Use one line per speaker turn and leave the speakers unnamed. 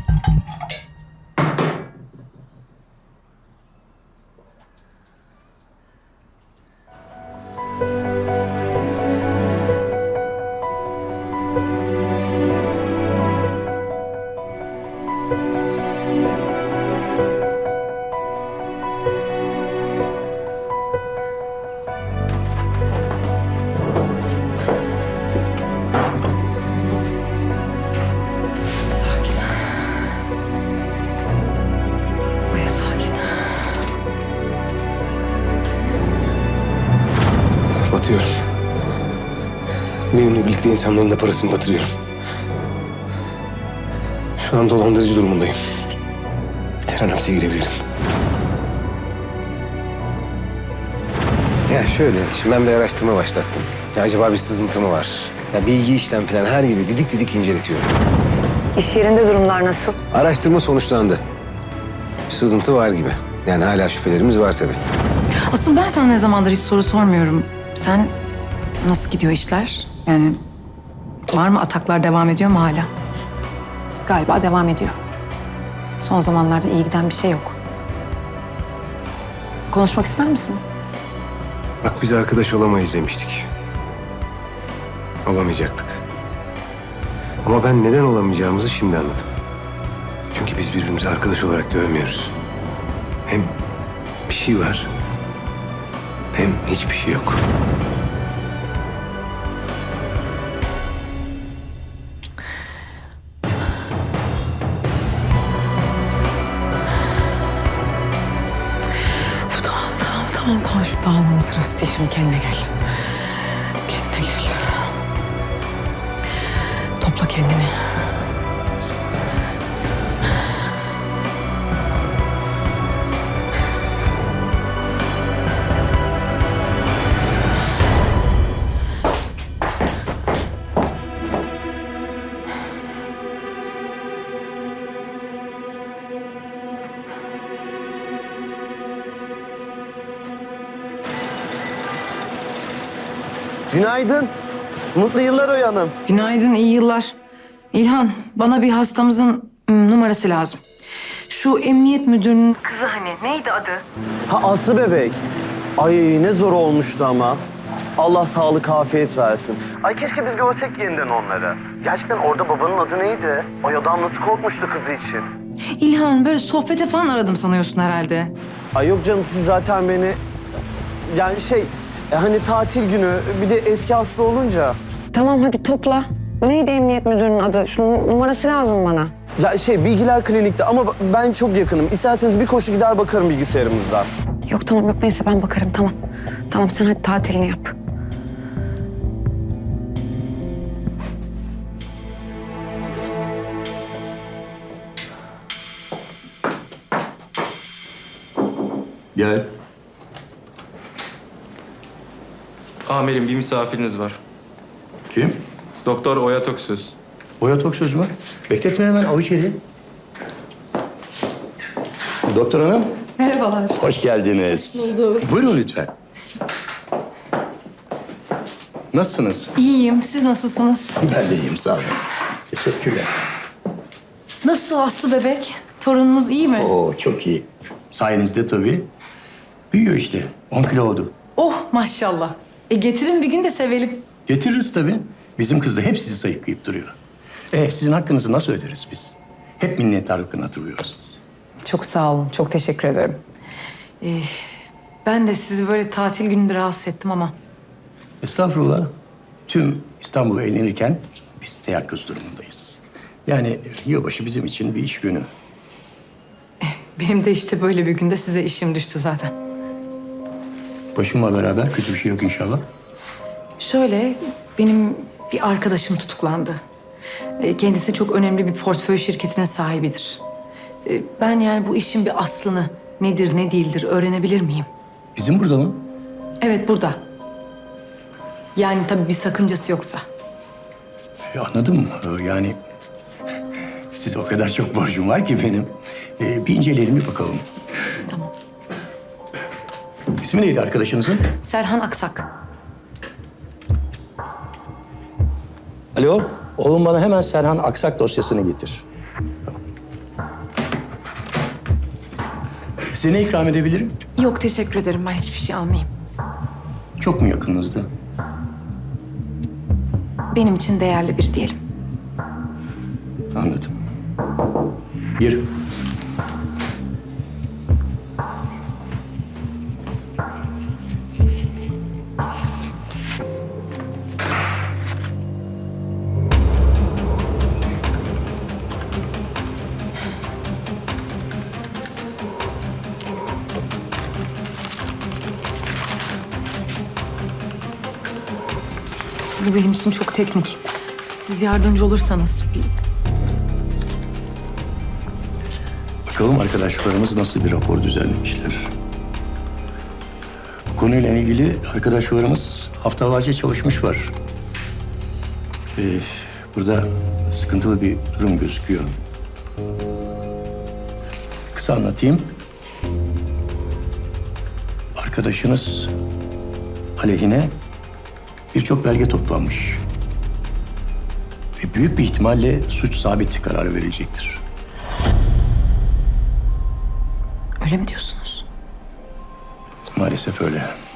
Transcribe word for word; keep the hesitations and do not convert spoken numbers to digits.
Batıyorum. Benimle birlikte insanların da parasını batırıyorum. Şu an dolandırıcı durumundayım. Her an hapse girebilirim. Ya şöyle, şimdi ben bir araştırma başlattım. Ya acaba bir sızıntı mı var? Ya bilgi işlem falan her yeri didik didik inceletiyorum.
İş yerinde durumlar nasıl?
Araştırma sonuçlandı. Sızıntı var gibi. Yani hala şüphelerimiz var tabii.
Asıl ben sana ne zamandır hiç soru sormuyorum. Sen nasıl gidiyor işler? Yani var mı, ataklar devam ediyor mu hala? Galiba devam ediyor. Son zamanlarda iyi giden bir şey yok. Konuşmak ister misin?
Bak biz arkadaş olamayız demiştik. Olamayacaktık. Ama ben neden olamayacağımızı şimdi anladım. Çünkü biz birbirimizi arkadaş olarak görmüyoruz. Hem bir şey var, hem hiçbir şey yok.
Tamam, tamam, tamam, tamam. Şu dağılmanın sırası değil. Şimdi kendine gel. Kendine gel. Topla kendini.
Günaydın. Mutlu yıllar Oya Hanım.
Günaydın, iyi yıllar. İlhan, bana bir hastamızın ım, numarası lazım. Şu emniyet müdürünün kızı hani, neydi adı?
Ha Aslı bebek. Ay ne zor olmuştu ama. Cık, Allah sağlık afiyet versin. Ay keşke biz görsek yeniden onları. Gerçekten orada babanın adı neydi? Ay adam nasıl korkmuştu kızı için.
İlhan, böyle sohbete falan aradım sanıyorsun herhalde.
Ay yok canım siz zaten beni... Yani şey e, hani tatil günü bir de eski Aslı olunca...
Tamam hadi topla. Neydi emniyet müdürünün adı? Şunun numarası lazım bana.
Ya şey Bilgiler Klinik'te ama ben çok yakınım. İsterseniz bir koşu gider bakarım bilgisayarımızda.
Yok tamam yok neyse ben bakarım tamam. Tamam sen hadi tatilini yap.
Gel.
Amirim bir misafiriniz var.
Kim?
Doktor Oya Toksöz.
Oya Toksöz mü? Bekletme hemen, al içeri. Doktor hanım.
Merhabalar.
Hoş geldiniz.
Bulduk.
Buyurun lütfen. Nasılsınız?
İyiyim, siz nasılsınız?
Ben de iyiyim, sağ olun. Teşekkürler.
Nasıl Aslı bebek? Torununuz iyi mi?
Oo, çok iyi. Sayenizde tabii. Büyüyor işte. on kilo oldu.
Oh maşallah. E getirin bir gün de sevelim.
Getiririz tabii. Bizim kız da hep sizi sayıklayıp duruyor. E, sizin hakkınızı nasıl öderiz biz? Hep minnettarlıkla hatırlıyoruz sizi.
Çok sağ olun, çok teşekkür ederim. Ee, ben de sizi böyle tatil gününde rahatsız ettim ama...
Estağfurullah. Tüm İstanbul eğlenirken biz teyakkuz durumundayız. Yani yılbaşı bizim için bir iş günü.
Benim de işte böyle bir günde size işim düştü zaten.
Başımla beraber kötü bir şey yok inşallah.
Şöyle, benim bir arkadaşım tutuklandı. Ee, kendisi çok önemli bir portföy şirketinin sahibidir. Ee, ben yani bu işin bir aslını, nedir ne değildir öğrenebilir miyim?
Bizim burada mı?
Evet, burada. Yani tabii bir sakıncası yoksa.
E, anladım. Ee, yani size o kadar çok borcum var ki benim. Ee, bir inceleyelim, bir bakalım.
Tamam.
İsmi neydi arkadaşınızın?
Serhan Aksak.
Alo, oğlum bana hemen Serhan Aksak dosyasını getir. Size ne ikram edebilirim?
Yok teşekkür ederim. Ben hiçbir şey almayayım.
Çok mu yakınınızda?
Benim için değerli biri diyelim.
Anladım. Gir.
Bu benim için çok teknik. Siz yardımcı olursanız bir...
Bakalım arkadaşlarımız nasıl bir rapor düzenlemişler. Bu konuyla ilgili arkadaşlarımız haftalarca çalışmış var. Ee, burada sıkıntılı bir durum gözüküyor. Kısa anlatayım. Arkadaşınız aleyhine birçok belge toplanmış. Ve büyük bir ihtimalle suç sabit kararı verilecektir.
Öyle mi diyorsunuz?
Maalesef öyle.